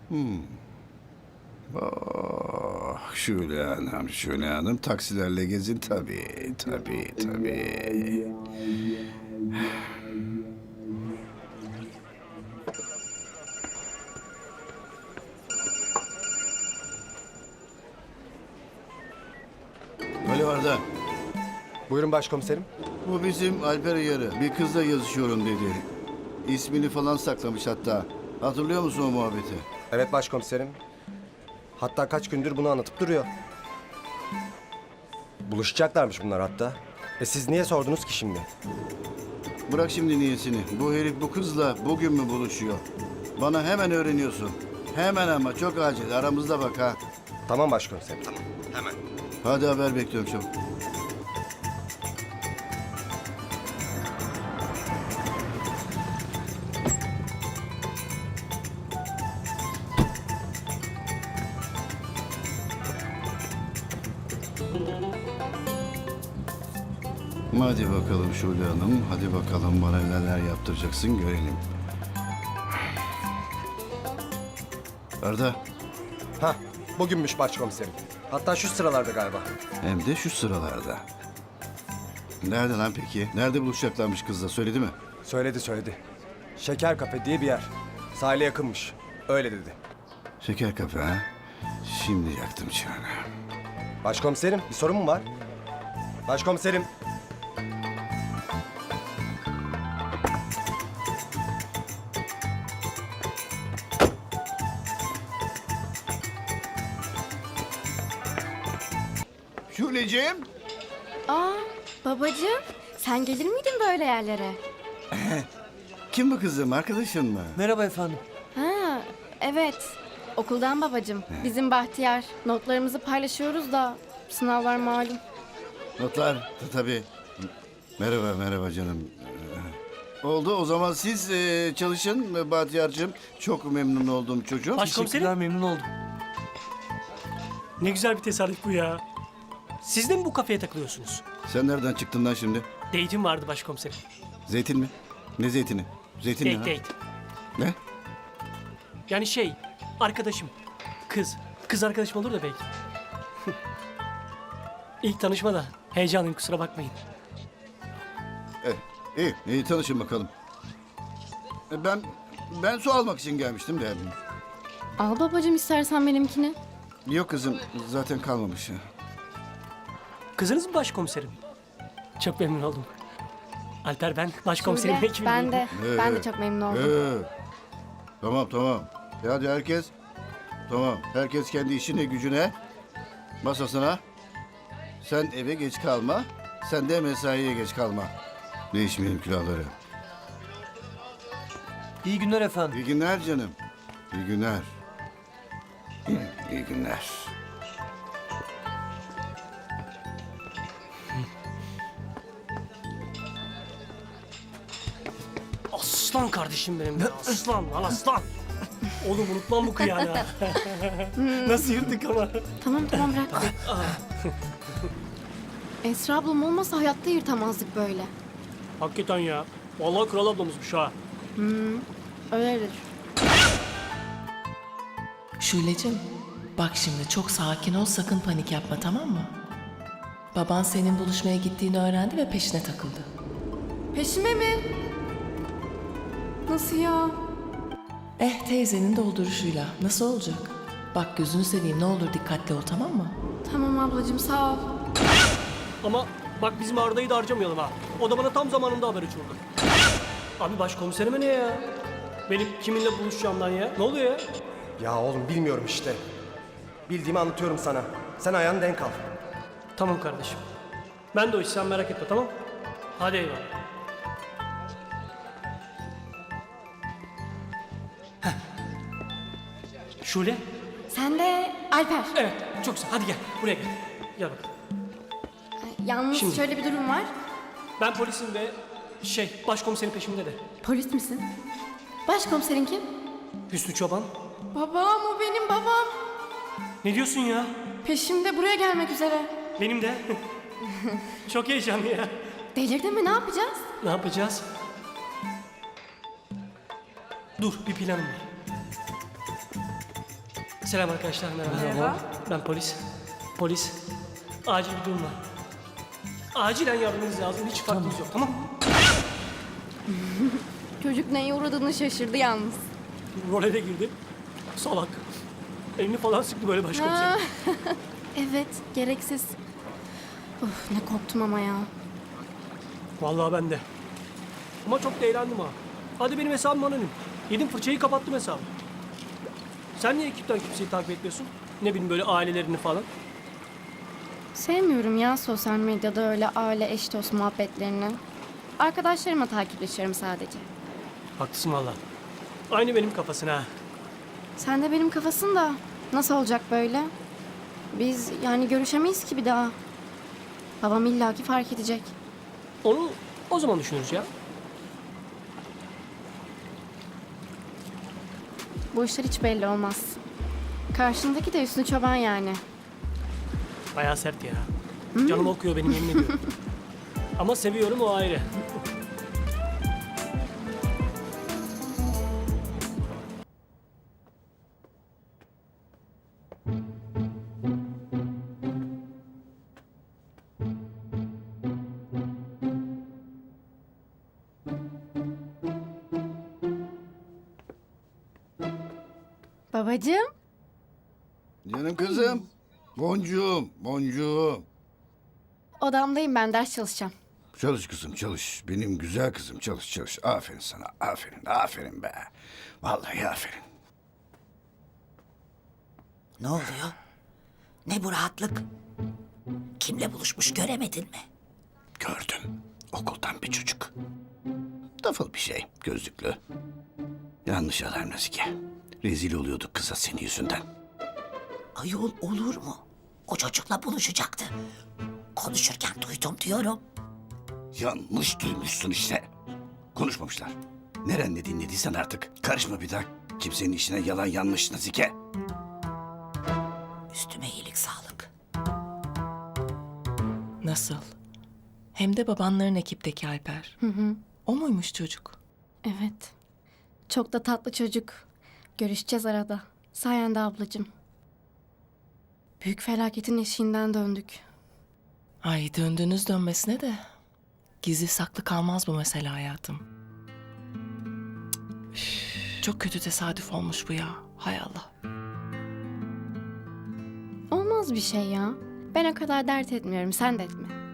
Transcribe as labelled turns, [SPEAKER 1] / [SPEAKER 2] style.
[SPEAKER 1] Oh, Şule Hanım taksilerle gezin tabii. Alo Arda,
[SPEAKER 2] Buyurun başkomiserim.
[SPEAKER 1] bu bizim Alper Yarı. Bir kızla yazışıyorum dedi. İsmini falan saklamış hatta. Hatırlıyor musun o muhabbeti?
[SPEAKER 2] Evet başkomiserim. Hatta kaç gündür bunu anlatıp duruyor. Buluşacaklarmış bunlar hatta. Siz niye sordunuz ki şimdi?
[SPEAKER 1] Bırak şimdi niyesini. Bu herif bu kızla bugün mü buluşuyor? Bana hemen öğreniyorsun. Hemen ama çok acil. Aramızda bak ha.
[SPEAKER 2] Tamam başkomiserim, tamam. Hemen.
[SPEAKER 1] Hadi haber bekliyorum çabuk. Hadi bakalım Şule Hanım. Hadi bakalım bana neler yaptıracaksın görelim. Arda,
[SPEAKER 2] Hah, bugünmüş başkomiserim. Hatta şu sıralarda galiba.
[SPEAKER 1] hem de şu sıralarda. Nerede lan peki? Nerede buluşacaklarmış kızla söyledi mi?
[SPEAKER 2] Söyledi. Şeker Kafe diye bir yer. Sahile yakınmış. Öyle dedi.
[SPEAKER 1] Şeker kafe ha? Şimdi yaktım çağını.
[SPEAKER 2] Başkomiserim, bir sorun mu var? Başkomiserim.
[SPEAKER 1] Şuleciğim.
[SPEAKER 3] Aa, babacığım, sen gelir miydin böyle yerlere?
[SPEAKER 1] Kim bu kızım? Arkadaşın mı?
[SPEAKER 4] Merhaba efendim.
[SPEAKER 3] Ha, evet. Okuldan babacığım. Bizim Bahtiyar. Notlarımızı paylaşıyoruz da sınavlar malum.
[SPEAKER 1] Notlar tabii. Merhaba canım. Oldu o zaman siz çalışın Bahtiyar'cığım. Çok memnun oldum çocuğum.
[SPEAKER 4] Teşekkürler, memnun oldum. Ne güzel bir tesadüf bu ya. Siz de mi bu kafeye takılıyorsunuz?
[SPEAKER 1] Sen nereden çıktın lan şimdi?
[SPEAKER 4] Date'im vardı başkomiserim.
[SPEAKER 1] Zeytin mi? Ne zeytini? Zeytin ne?
[SPEAKER 4] Date.
[SPEAKER 1] Ne?
[SPEAKER 4] Yani arkadaşım. Kız arkadaşım olur da belki. İlk tanışma da heyecanlıyım, kusura bakmayın.
[SPEAKER 1] İyi tanışın bakalım. Ben su almak için gelmiştim de.
[SPEAKER 3] Al babacığım istersen benimkini.
[SPEAKER 1] Yok kızım zaten kalmamış.
[SPEAKER 4] Kızınız mı başkomiserim? Çok memnun oldum. Alper ben, başkomiserim
[SPEAKER 3] Şule,
[SPEAKER 4] ekibim.
[SPEAKER 3] ben de çok memnun oldum.
[SPEAKER 1] Tamam. Hadi herkes. Tamam. Herkes kendi işine gücüne. Masasına. Sen eve geç kalma. Sen de mesaiye geç kalma. Değişmeyelim külahları.
[SPEAKER 4] İyi günler efendim.
[SPEAKER 1] İyi günler canım. İyi günler. İyi günler.
[SPEAKER 4] Aslan kardeşim benim ya. Aslan lan aslan. Oğlum unutmam bu kıyağını. ha. Nasıl yırtık ama.
[SPEAKER 3] Tamam bırak. Esra ablam olmasa hayatta yırtamazdık böyle.
[SPEAKER 4] Hakikaten ya. Vallahi kral ablamızmış ha.
[SPEAKER 3] Öyledir.
[SPEAKER 5] Şule'cim, bak şimdi çok sakin ol, sakın panik yapma, tamam mı? Baban senin buluşmaya gittiğini öğrendi ve peşine takıldı.
[SPEAKER 3] Peşime mi? Nasıl ya?
[SPEAKER 5] Teyzenin dolduruşuyla. Nasıl olacak? Bak gözünü seveyim, ne olur dikkatli ol, tamam mı?
[SPEAKER 3] Tamam ablacığım sağ ol.
[SPEAKER 4] Ama bak bizim Arda'yı da harcamayalım ha. O da bana tam zamanında haber uçurdu. Abi başkomiserime ne ya? Benim kiminle buluşacağımdan ya? Ne oluyor ya?
[SPEAKER 2] Ya oğlum bilmiyorum işte. Bildiğimi anlatıyorum sana. Sen ayağını denk al.
[SPEAKER 4] Tamam kardeşim. Ben de o iş, sen merak etme, tamam? Hadi eyvallah. Heh. Şule.
[SPEAKER 3] Sen de Alper.
[SPEAKER 4] Evet, çok güzel. Hadi gel, buraya gel. Gel bakalım.
[SPEAKER 3] Yalnız
[SPEAKER 4] Şimdi.
[SPEAKER 3] şöyle bir durum var.
[SPEAKER 4] Ben polisim ve başkomiserin peşimde de.
[SPEAKER 3] Polis misin? Başkomiserin kim?
[SPEAKER 4] Hüsnü Çoban.
[SPEAKER 3] Babam, o benim babam.
[SPEAKER 4] Ne diyorsun ya?
[SPEAKER 3] Peşimde buraya gelmek üzere.
[SPEAKER 4] Benim de. Çok heyecanlı ya.
[SPEAKER 3] Delirdin mi, ne yapacağız?
[SPEAKER 4] Ne yapacağız? Dur, bir planım var. Selam arkadaşlar, merhaba. Ben polis. Polis. Acil bir durum var. Acilen yardımınız lazım. Hiç farkınız yok, tamam mı?
[SPEAKER 3] Çocuk neye uğradığını şaşırdı yalnız.
[SPEAKER 4] Role de girdi. Salak. Elini falan sıktı böyle başkomiserim.
[SPEAKER 3] Evet, gereksiz. Of, ne korktum ama ya.
[SPEAKER 4] Vallahi ben de. Ama çok da eğlendim ha. Hadi benim hesabım anonim. Yedim fırçayı kapattım hesabı. Sen niye ekipten kimseyi takip etmiyorsun? Ne bileyim böyle ailelerini falan.
[SPEAKER 3] Sevmiyorum ya sosyal medyada öyle aile eş dost muhabbetlerini. Arkadaşlarımla takipleşiyorum sadece.
[SPEAKER 4] Haklısın valla. Aynı benim kafasına ha.
[SPEAKER 3] Sen de benim kafasın da nasıl olacak böyle? Biz yani görüşemeyiz ki bir daha. Babam illaki fark edecek.
[SPEAKER 4] Onu o zaman düşünürüz ya.
[SPEAKER 3] Bu işler hiç belli olmaz. Karşındaki de Hüsnü Çoban yani.
[SPEAKER 4] Bayağı sert ya. Canım okuyor benim yemin ediyorum. Ama seviyorum o ayrı.
[SPEAKER 3] Babacığım.
[SPEAKER 1] Canım kızım. Boncuğum, boncuğum.
[SPEAKER 3] Odamdayım ben ders çalışacağım.
[SPEAKER 1] Çalış kızım çalış. Benim güzel kızım çalış çalış. Aferin sana. Aferin. Aferin be. Vallahi aferin.
[SPEAKER 6] Ne oluyor? Ne bu rahatlık? Kimle buluşmuş göremedin mi?
[SPEAKER 1] Gördüm. Okuldan bir çocuk. Dafıl bir şey. Gözlüklü. Yanlış alarm Nazike. Rezil oluyorduk kıza senin yüzünden.
[SPEAKER 6] Ayol olur mu? O çocukla buluşacaktı. Konuşurken duydum diyorum.
[SPEAKER 1] Yanlış duymuşsun işte. Konuşmamışlar. Nerenle dinlediysen artık. Karışma bir daha. Kimsenin işine yalan yanlış Nazike.
[SPEAKER 6] Üstüme iyilik sağlık.
[SPEAKER 5] Nasıl? Hem de babanların ekipteki Alper. O muymuş çocuk?
[SPEAKER 3] Evet. Çok da tatlı çocuk. Görüşeceğiz arada. Sayende ablacığım. Büyük felaketin eşiğinden döndük.
[SPEAKER 5] Ay döndüğünüz dönmesine de. Gizli saklı kalmaz bu mesele hayatım. Üf, çok kötü tesadüf olmuş bu ya. Hay Allah.
[SPEAKER 3] Olmaz bir şey ya. Ben o kadar dert etmiyorum. Sen de etme.